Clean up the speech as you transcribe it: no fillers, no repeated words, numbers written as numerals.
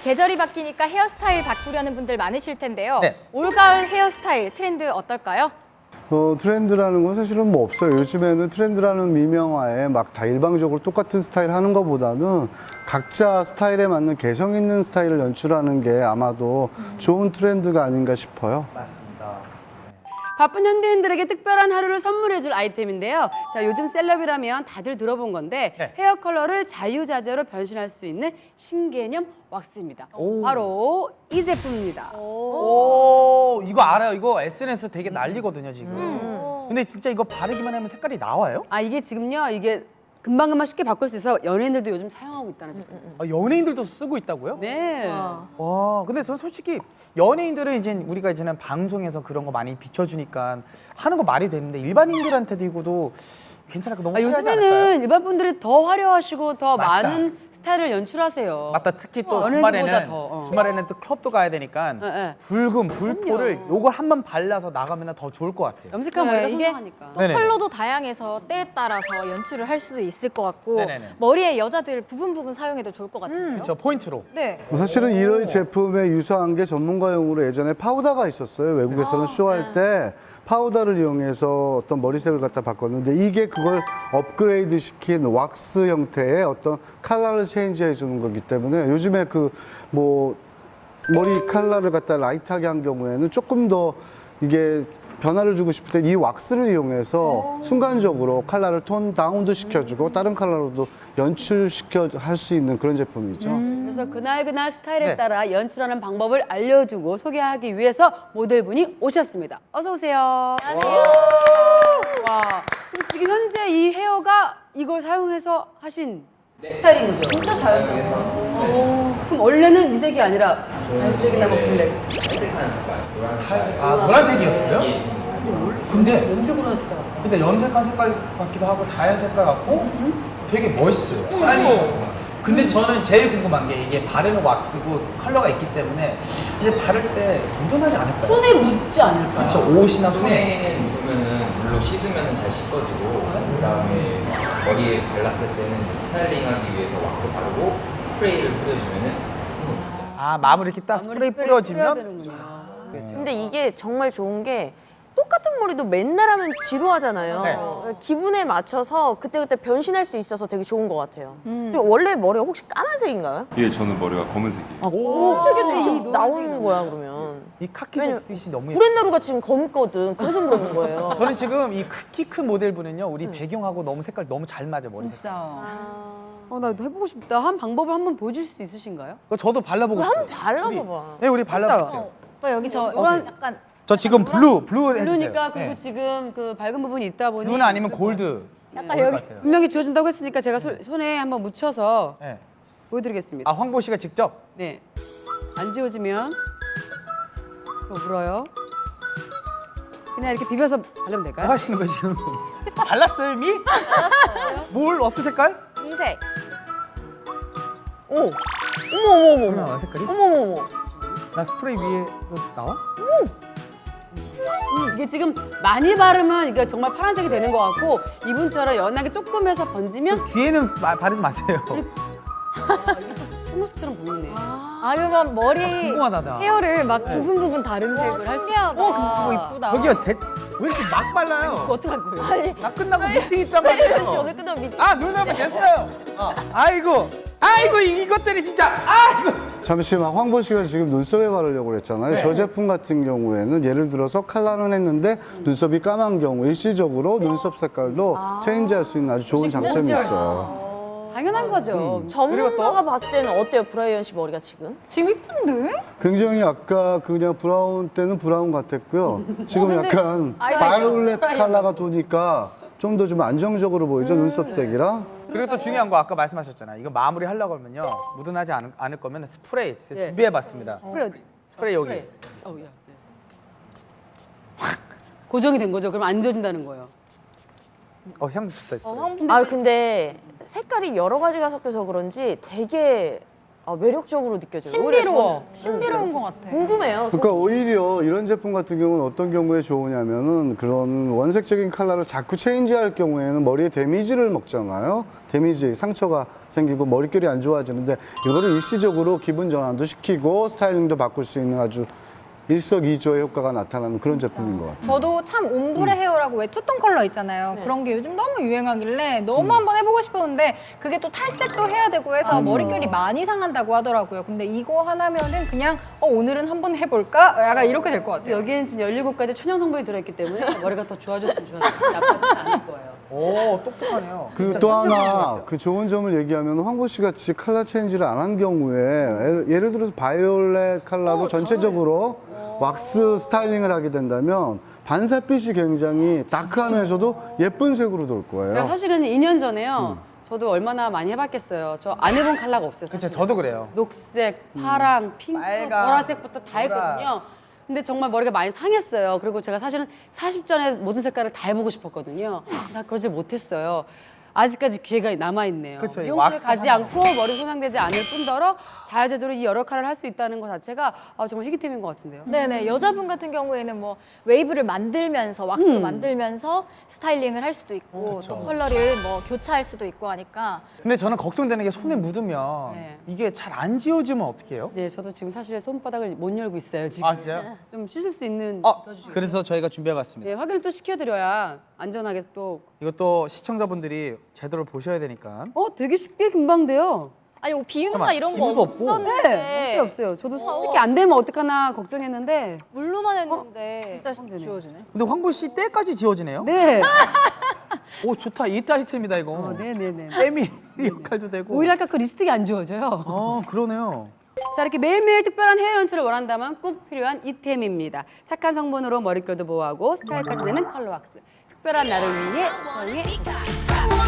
계절이 바뀌니까 헤어스타일 바꾸려는 분들 많으실 텐데요. 네. 올가을 헤어스타일 트렌드 어떨까요? 트렌드라는 건 사실은 뭐 없어요. 요즘에는 트렌드라는 미명하에 막 다 일방적으로 똑같은 스타일 하는 것보다는 각자 스타일에 맞는 개성 있는 스타일을 연출하는 게 아마도 좋은 트렌드가 아닌가 싶어요. 맞습니다. 바쁜 현대인들에게 특별한 하루를 선물해줄 아이템인데요. 자, 요즘 셀럽이라면 다들 들어본 건데 네. 헤어 컬러를 자유자재로 변신할 수 있는 신개념 왁스입니다. 오. 바로 이 제품입니다. 오, 이거 알아요. 이거 SNS 되게 난리거든요, 지금. 근데 진짜 이거 바르기만 하면 색깔이 나와요? 아, 이게 지금요, 이게 금방금방 쉽게 바꿀 수 있어 연예인들도 요즘 사용하고 있다는 제품. 아, 연예인들도 쓰고 있다고요? 네. 와, 근데 전 솔직히 연예인들은 이제 우리가 이제는 방송에서 그런 거 많이 비춰주니까 하는 거 말이 되는데 일반인들한테도 이거도 괜찮을까? 너무 아, 화려하지 않을까요? 요즘에는 일반 분들이 더 화려하시고 더 맞다. 많은 스타일을 연출하세요. 맞다. 특히 또 연예인들보다 더, 주말에는 또 클럽도 가야 되니까 네. 붉은 불토를 요걸 한 번 발라서 나가면 더 좋을 것 같아요. 염색한 네, 머리가 이게 선명하니까. 네네네. 컬러도 다양해서 때에 따라서 연출을 할 수도 있을 것 같고 네네네. 머리에 여자들 부분 사용해도 좋을 것 같은데요. 저 포인트로. 네. 사실은 이런 제품에 유사한 게 전문가용으로 예전에 파우더가 있었어요. 외국에서는 쇼할 때 파우더를 이용해서 어떤 머리색을 갖다 바꿨는데 이게 그걸 업그레이드 시킨 왁스 형태의 어떤 컬러를 체인지해 주는 거기 때문에 요즘에 그 뭐 머리 컬러를 갖다 라이트하게 한 경우에는 조금 더 이게 변화를 주고 싶을 때 이 왁스를 이용해서 순간적으로 컬러를 톤 다운도 시켜주고 다른 컬러로도 연출시켜 할 수 있는 그런 제품이죠. 그래서 그날 스타일에 네. 따라 연출하는 방법을 알려주고 소개하기 위해서 모델분이 오셨습니다. 어서 오세요. 안녕하세요. 와, 그럼 지금 현재 이 헤어가 이걸 사용해서 하신 스타일인 거죠? 진짜 자연스러워. 그럼 원래는 이 색이 아니라 갈색이나 뭐 블랙. 아, 노란색이었어요? 근데 염색으로 한 색깔 같아. 근데 염색한 색깔 같기도 하고 자연 색깔 같고 되게 멋있어요. 스타일리시하고. 근데 저는 제일 궁금한 게 이게 바르는 왁스고 컬러가 있기 때문에 이제 바를 때 묻어나지 않을까요? 손에 묻지 않을까? 그쵸, 옷이나 손에. 손에 묻으면은 물로 씻으면 잘 씻겨지고 그다음에 머리에 발랐을 때는 스타일링하기 위해서 왁스 바르고 스프레이를 뿌려주면은 손에 묻지 않아요. 아, 마무리 이렇게 딱 스프레이 뿌려주면 되는구나. 근데 이게 정말 좋은 게 똑같은 머리도 맨날 하면 지루하잖아요. 네. 기분에 맞춰서 그때그때 변신할 수 있어서 되게 좋은 것 같아요. 그리고 원래 머리가 혹시 까만색인가요? 예, 저는 머리가 검은색이에요. 검은색이 나오는 거야 그러면. 이 카키색빛이 너무 예뻐요. 브랜나루가 지금 검거든. 그래서 물어본 거예요. 저는 지금 이 키 큰 모델분은요, 우리 배경하고 너무 색깔 너무 잘 맞아, 머리 색깔. 진짜. 나도 해보고 싶다. 한 방법을 한번 보여줄 수 있으신가요? 그거 저도 발라보고 그럼 싶어요. 한번 발라봐봐. 네, 우리 발라볼게요. 진짜요? 오빠 여기 저 노란- 약간 저 지금 블루 해주세요. 블루니까 그리고 네. 지금 그 밝은 부분이 있다 보니 블루나 아니면 골드. 약간 좋을 여기 것 같아요. 분명히 지워진다고 했으니까 제가 손에 한번 묻혀서 네. 보여드리겠습니다. 아, 황보 씨가 직접? 네. 안 지워지면 또 물어요. 그냥 이렇게 비벼서 바르면 뭐 될까요? 하시는 거 지금? 발랐어요, 이미? 뭘, 어떤 색깔? 흰색. 오, 어머. 나와, 색깔이? 어머. 나 스프레이 위에도 나와? 이게 지금 많이 바르면 이게 정말 파란색이 되는 것 같고 이분처럼 연하게 조금 해서 번지면 뒤에는 바르지 마세요. 속눈썹처럼 보이네. 아 그러면 머리 궁금하다, 나. 헤어를 막 부분 다른 색을 할 수. 그거 이쁘다. 저기요, 왜 이렇게 막 발라요? 그거 어떡할 거예요? 나 끝나고 미팅 있단 혜연 씨 말이에요. 오늘 끝나면 미팅. 아, 눈썹은 됐어요. 아이고, 이것들이 진짜, 아이고. 잠시만 황보 씨가 지금 눈썹에 바르려고 그랬잖아요. 네. 저 제품 같은 경우에는 예를 들어서 컬러는 했는데 눈썹이 까만 경우 일시적으로 눈썹 색깔도 체인지할 수 있는 아주 좋은 장점이 있어요. 당연한 거죠. 전문가가 봤을 때는 어때요, 브라이언 씨 머리가 지금? 지금 이쁜데? 굉장히 아까 그냥 브라운 때는 브라운 같았고요. 지금 약간 바이올렛 컬러가 도니까 좀 더 좀 안정적으로 보이죠, 눈썹색이랑. 그리고 또 중요한 거 아까 말씀하셨잖아요. 이거 마무리 하려고 하면요. 묻어나지 않을 거면 스프레이 제가 예. 준비해봤습니다. 그래. 스프레이 여기. 그래. 어우, 야. 고정이 된 거죠. 그럼 안 지워진다는 거예요. 향도 좋다. 스프레이. 아 근데 색깔이 여러 가지가 섞여서 그런지 되게 매력적으로 느껴져요. 신비로워. 오히려 저는. 신비로운 것 같아. 궁금해요. 그러니까 오히려 이런 제품 같은 경우는 어떤 경우에 좋으냐면은 그런 원색적인 컬러를 자꾸 체인지할 경우에는 머리에 데미지를 먹잖아요. 데미지, 상처가 생기고 머릿결이 안 좋아지는데 이거를 일시적으로 기분 전환도 시키고 스타일링도 바꿀 수 있는 아주 일석이조의 효과가 나타나는 그런 제품인 것 같아요. 저도 참 옴브레 헤어라고 왜 투톤 컬러 있잖아요. 그런 게 요즘 너무 유행하길래 너무 한번 해보고 싶었는데 그게 또 탈색도 해야 되고 해서 머릿결이 많이 상한다고 하더라고요. 근데 이거 하나면은 그냥 오늘은 한번 해볼까? 약간 이렇게 될 것 같아요. 여기엔 지금 17가지 천연 성분이 들어있기 때문에 머리가 더 좋아졌으면 좋았어요. 나빠지지 않을 거예요. 오, 똑똑하네요. 그리고 또 하나 그 좋은 점을 얘기하면 황보 씨 같이 컬러 체인지를 안 한 경우에 예를 들어서 바이올렛 컬러로 전체적으로 왁스 스타일링을 하게 된다면 반사빛이 굉장히 다크하면서도 예쁜 색으로 돌 제가 거예요. 사실은 2년 전에요. 저도 얼마나 많이 해봤겠어요. 저 안 해본 컬러가 없어요. 그쵸, 사실은. 저도 그래요. 녹색, 파랑, 핑크, 빨강, 보라색부터 다 했거든요. 근데 정말 머리가 많이 상했어요. 그리고 제가 사실은 40전에 모든 색깔을 다 해보고 싶었거든요. 나 그러지 못했어요. 아직까지 기회가 남아있네요. 그쵸, 이 미용실을 왁스 가지 하나. 않고 머리 손상되지 않을 뿐더러 자유제대로 이 여러 컬러를 할 수 있다는 것 자체가 정말 희귀템인 것 같은데요. 네네. 여자분 같은 경우에는 뭐 웨이브를 만들면서 왁스로 만들면서 스타일링을 할 수도 있고 또 컬러를 뭐 교차할 수도 있고 하니까 근데 저는 걱정되는 게 손에 묻으면 네. 이게 잘 안 지워지면 어떻게 해요? 네, 저도 지금 사실 손바닥을 못 열고 있어요. 지금 아, 진짜요? 좀 씻을 수 있는 넣어주시고. 그래서 저희가 준비해봤습니다. 네, 확인을 또 시켜드려야 안전하게 또. 이것도 시청자분들이 제대로 보셔야 되니까. 되게 쉽게 금방 돼요. 아니 뭐 비누나 잠깐만, 이런 거 비누도 없고. 없었는데 네, 없어요. 저도 솔직히 안 되면 어떡하나 걱정했는데. 물로만 했는데 진짜 지워지네. 근데 황보 씨 때까지 지워지네요. 네. 오, 좋다. 이트 아이템이다, 이거. 네네네. 때미 역할도 되고. 오히려 아까 그 립스틱이 안 지워져요. 그러네요. 자, 이렇게 매일매일 특별한 헤어 연출을 원한다면 꼭 필요한 이템입니다. 착한 성분으로 머릿결도 보호하고 스타일까지 내는 컬러 왁스. 특별한 나를 위해 사용해 보세요.